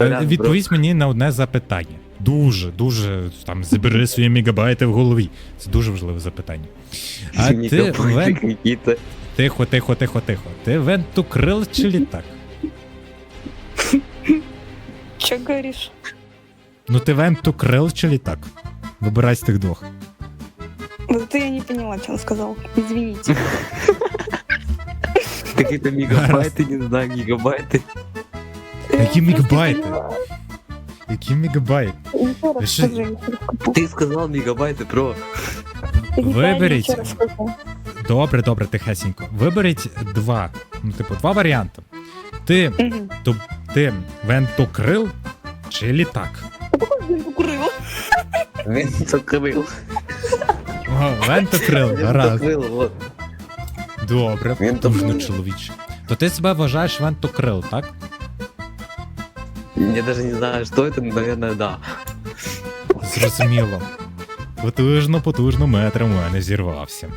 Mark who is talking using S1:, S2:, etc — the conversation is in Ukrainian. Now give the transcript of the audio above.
S1: Відповість мені на одне запитання. Дуже, там, забери свої мегабайти в голові. Це дуже важливе запитання. А ти Тихо. Ти вентукрил чи літак?
S2: Че говоришь?
S1: Ну ти вентукрил чи літак? Вибирай з тих двох.
S2: Вот это я не поняла, что он сказал. Извините.
S3: Какие-то мегабайты, не знаю, гигабайты.
S1: Які мегабайти? Які мегабайти?
S2: Еще раз
S1: Что-
S2: скажи.
S3: Ты сказал мегабайты, про.
S1: Виберіть.
S2: Еще раз скажи.
S1: Добре, тихесенько. Виберіть два. Ну, типу, два варіанти. Ти
S2: Мгм.
S1: вентукрил чи літак?
S2: Курила.
S3: Винтокрыл.
S1: О, вентукрил, гаразд.
S3: Винтокрыл, вот.
S1: Добре,
S3: Вентукрил.
S1: потужно, чоловіче. То ти себе вважаєш вентукрил, так?
S3: Я даже не знаю, что это, но, наверное, да.
S1: Зрозуміло. Потужно, метр у мене зірвався.